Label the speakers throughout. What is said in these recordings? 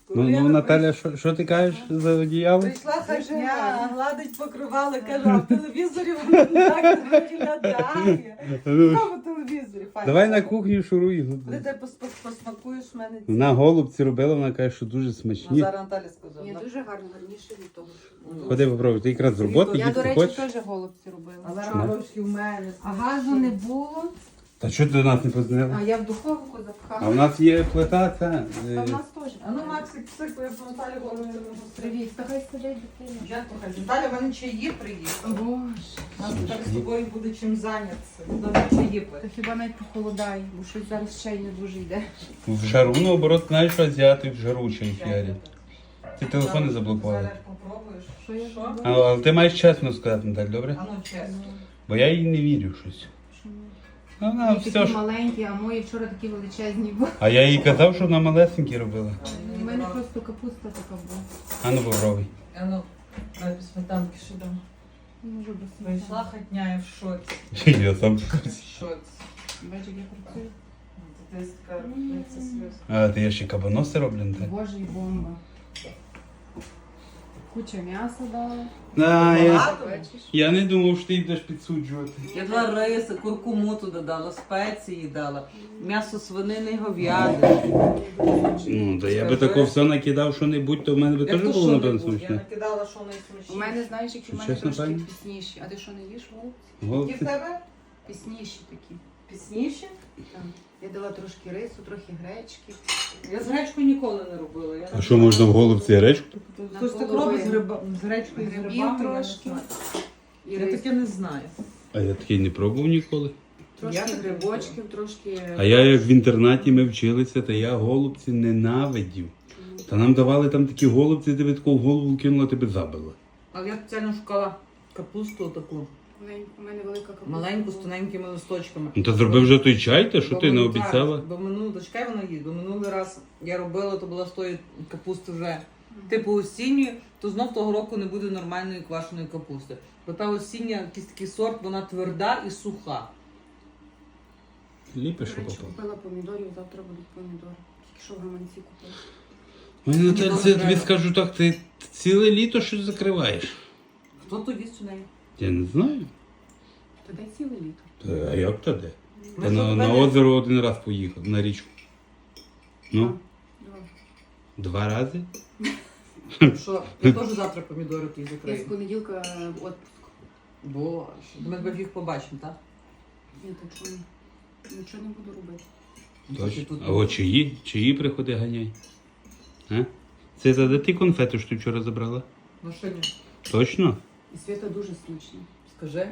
Speaker 1: Ну, Наталя, що ти кажеш за одіяло?
Speaker 2: Прийшла хазяйка, гладить покривало, каже, а в телевізорі воно так не виглядає. Що в телевізорі? Файно.
Speaker 1: Давай на кухню шуруй.
Speaker 2: Коли ти посмакуєш в мене ці.
Speaker 1: Вона голубці робила, вона каже, що дуже
Speaker 2: Ну,
Speaker 1: смачні.
Speaker 2: зараз Наталя сказала.
Speaker 3: Ні, дуже гарно, гарніше від того, що.
Speaker 1: Ходи попробуй, ти якраз з роботи
Speaker 3: Я, до
Speaker 1: їсти
Speaker 3: речі,
Speaker 1: хочеш?
Speaker 3: теж голубці робила.
Speaker 2: Але горошки в мене.
Speaker 3: А газу не було,
Speaker 1: Та що ти до нас не позвонила?
Speaker 3: а я в духовку
Speaker 1: А
Speaker 3: запхала.
Speaker 1: в нас є плита, це.
Speaker 3: Та в нас теж.
Speaker 2: А ну, Максик, псикує по Наталі голову.
Speaker 3: Привіт, та хай сидить дитина.
Speaker 2: Я покажу. Наталя, в мене чаї приїхали.
Speaker 3: Боже,
Speaker 2: Нас так з тобою буде чим зайнятися. Добре чаї
Speaker 3: та
Speaker 2: пити.
Speaker 3: хіба навіть похолодає, бо щось зараз чай не дуже йде.
Speaker 1: В жару, наоборот, знаєш, що азіати в жару чай фіарять. Ти телефон не заблокувала.
Speaker 2: Зараз попробуєш.
Speaker 3: Що я
Speaker 2: Що?
Speaker 3: зробила?
Speaker 1: Але ти маєш чесно сказати, Наталь, добре?
Speaker 2: А ну, чесно.
Speaker 1: Бо я їй не вірю щось.
Speaker 3: Що ми?
Speaker 1: Вона
Speaker 3: Вони
Speaker 1: все
Speaker 3: такі
Speaker 1: ж.
Speaker 3: маленькі, а мої вчора такі величезні були.
Speaker 1: А я їй казав, що вона малесенькі робила.
Speaker 3: У мене просто капуста така була.
Speaker 1: А ну попробуй.
Speaker 2: А ну, давай без сметанки ще дам.
Speaker 3: Не можу без
Speaker 2: Прийшла
Speaker 3: сметани.
Speaker 2: хотня і в шоці.
Speaker 1: Я сам.
Speaker 2: В шоці.
Speaker 3: Бачиш, як я працюю.
Speaker 2: Ти така, це сльоз.
Speaker 1: А, ти я ще кабаноси роблю, Наталь?
Speaker 3: Боже, і бомба. Куча м'яса дала.
Speaker 1: Да,
Speaker 2: Багато?
Speaker 1: я не думав, що ти йдеш підсуджувати.
Speaker 2: Я два риси, куркуму туди дала, спеції дала, м'ясо свинини, говяди.
Speaker 1: Ну, да я би тако все накидав, що небудь, то в мене би теж було, напевно,
Speaker 2: Я
Speaker 1: смачне.
Speaker 2: накидала, що найсмачніше.
Speaker 3: У мене, знаєш, які в мене
Speaker 1: Чесно,
Speaker 3: трошки
Speaker 1: пані?
Speaker 3: пісніші. А ти що не їш голубці?
Speaker 2: Які в
Speaker 1: Голубці.
Speaker 2: тебе?
Speaker 3: Пісніші такі.
Speaker 2: Пісніші?
Speaker 3: Так. Я дала трошки рису, трохи гречки.
Speaker 2: Я з гречкою ніколи не робила. Я
Speaker 1: А що, можна в голубці речку?
Speaker 2: Хтось так робить з гречкою, з
Speaker 3: Грибів
Speaker 2: грибами, я не
Speaker 3: трошки.
Speaker 2: знаю.
Speaker 3: І
Speaker 2: Я
Speaker 3: рис.
Speaker 2: таке не знаю.
Speaker 1: А я такий не пробував ніколи.
Speaker 3: Трошки
Speaker 2: Я так
Speaker 3: грибочків, трошки.
Speaker 1: А я як в інтернаті ми вчилися, то я голубці ненавидів. Та нам давали там такі голубці, тебе таку в голову кинула, тебе забила.
Speaker 2: Але я спеціально шукала капусту таку,
Speaker 3: У мене велика капуста.
Speaker 2: маленьку, з тоненькими листочками.
Speaker 1: Ну то зроби вже той чай, та що ти не обіцяла?
Speaker 2: Бо минулий, дочекай вона їсть, бо минулий раз я робила, то була з тої капусти вже типу осінньої, то знов того року не буде нормальної квашеної капусти. Бо та осіння, якийсь такий сорт, вона тверда і суха.
Speaker 1: Ліпиш,
Speaker 3: До речі,
Speaker 1: що попав.
Speaker 3: купила помідорів, завтра будуть помідори. Тільки що в гаманці купила.
Speaker 1: Ой, Наталь,
Speaker 2: Мені
Speaker 1: це
Speaker 2: дуже
Speaker 1: тобі
Speaker 2: треба.
Speaker 1: скажу так, ти ціле літо щось закриваєш.
Speaker 2: Хто то їсть у неї?
Speaker 1: Я не знаю.
Speaker 3: То де ціле літо?
Speaker 1: Та, а як то де?
Speaker 2: Ми
Speaker 1: Та
Speaker 2: ж
Speaker 1: на
Speaker 2: мене-
Speaker 1: озеро один раз поїхав, на річку. Ну,
Speaker 3: Два.
Speaker 1: 2 рази?
Speaker 2: Що? Я теж завтра помідори ті
Speaker 3: Я з
Speaker 2: закрию.
Speaker 3: понеділка отпуск.
Speaker 2: Боже, ми тебе їх побачимо, так?
Speaker 3: Я так що нічого не буду робити.
Speaker 1: Точно. А от чиї приходи ганяй? А? Це за ти конфети, що ти вчора забрала?
Speaker 2: В машині.
Speaker 1: Точно?
Speaker 3: І Свята дуже смачна.
Speaker 2: Скажи.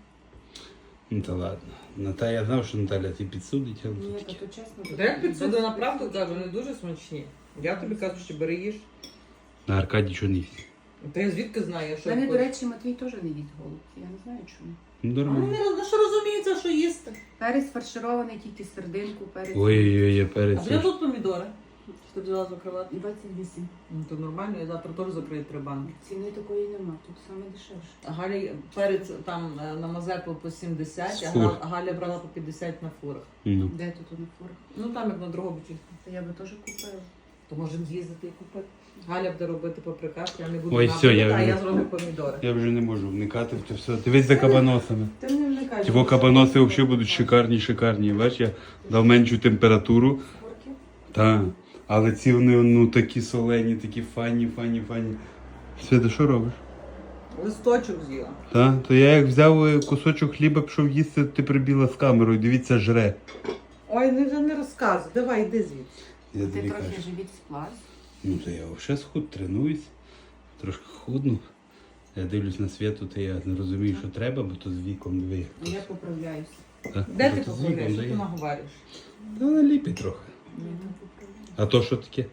Speaker 1: Ну та ладно. Я знав, що Наталя ти підсудить, але
Speaker 3: Ні,
Speaker 1: тут
Speaker 3: та
Speaker 1: таке.
Speaker 3: то чесно.
Speaker 2: Та як підсуди на правду кажу, вони дуже смачні. Я тобі кажу, що бери їж.
Speaker 1: На Аркадій що не їсть.
Speaker 2: Та я звідки знаю, що
Speaker 3: Мене,
Speaker 2: я
Speaker 3: до речі, Матвій теж не їсть голубці. Я не знаю чому.
Speaker 1: Ну,
Speaker 2: А
Speaker 1: нормально.
Speaker 2: вони що розуміється, що їсти.
Speaker 3: Перець фарширований, тільки сердинку, перець.
Speaker 1: Ой-ой-ой,
Speaker 2: А
Speaker 1: перець.
Speaker 2: де тут помідори? Що ти взяла закривати?
Speaker 3: 28.
Speaker 2: Ну то нормально, я завтра теж закрию 3 банки.
Speaker 3: Ціни такої нема, тут саме дешевше.
Speaker 2: А Галя перець там на Мазепу по 70, а
Speaker 1: Фур.
Speaker 2: Галя брала по 50 на фурах.
Speaker 1: Ну.
Speaker 3: Де тут на фурах?
Speaker 2: Ну там як на Дрогобичі.
Speaker 3: Та я би теж купила.
Speaker 2: То можемо з'їздити і купити. Галя буде робити паприкаш, я не буду
Speaker 1: Ой,
Speaker 2: набрати,
Speaker 1: все, я
Speaker 2: а
Speaker 1: вже-
Speaker 2: я зроблю помідори.
Speaker 1: Я вже не можу вникати в це все. Дивись за кабаносами.
Speaker 2: Ти мені не кажеш.
Speaker 1: Ті кабаноси взагалі будуть шикарні. Бач, я дав меншу температуру.
Speaker 3: Фурки?
Speaker 1: Так. Але ці вони ну такі солені, такі файні. Свята, що робиш?
Speaker 2: Листочок з'їла.
Speaker 1: Так, то я як взяв кусочок хліба, пішов їсти, ти прибіла з камерою, дивіться, жре.
Speaker 2: Ой, не розказуй, давай, йди звідси.
Speaker 1: Я
Speaker 3: Ти
Speaker 1: тобі
Speaker 3: трохи
Speaker 1: кажу.
Speaker 3: живіт сплав.
Speaker 1: Ну то я взагалі схуд, тренуюсь, трошки худну. Я дивлюсь на світу, то я не розумію, що треба, бо то з віком диви.
Speaker 3: А я поправляюся.
Speaker 1: Та,
Speaker 2: Де
Speaker 1: бо
Speaker 2: ти
Speaker 1: то з
Speaker 2: поправляєш?
Speaker 1: віком
Speaker 2: Що ти
Speaker 1: дає.
Speaker 2: наговориш?
Speaker 1: Та вона ліпить трохи.
Speaker 3: Я не поправляю.
Speaker 1: А то що таке?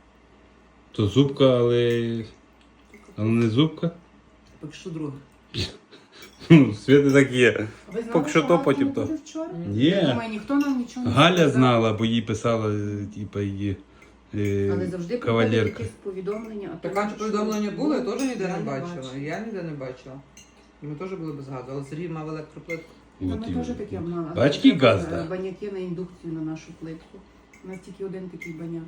Speaker 1: То зубка, але не зубка.
Speaker 2: Поки що друге.
Speaker 1: Ну, Світи так є.
Speaker 3: А ви знали,
Speaker 1: Поки що то,
Speaker 3: Галка
Speaker 1: потім
Speaker 3: не
Speaker 1: то.
Speaker 3: буде вчора?
Speaker 1: Ні.
Speaker 3: Я думаю, ніхто нам нічого не
Speaker 1: Галя
Speaker 3: сказав.
Speaker 1: знала, бо їй писала, типа, її
Speaker 3: Але завжди приходять
Speaker 1: кавалерка.
Speaker 3: якісь повідомлення. а то
Speaker 2: Така
Speaker 3: що-
Speaker 2: повідомлення було, я теж ніде
Speaker 3: Я
Speaker 2: не
Speaker 3: не
Speaker 2: бачила.
Speaker 3: бачила.
Speaker 2: Я ніде не бачила. І ми теж були без газу, але Сергій мав електроплитку.
Speaker 3: Та
Speaker 1: От
Speaker 3: ми
Speaker 1: і-
Speaker 3: теж таке мали.
Speaker 1: Бач, який газ,
Speaker 3: Треба
Speaker 1: да?
Speaker 3: баняки на індукцію на нашу плитку. У нас тільки один такий баняк.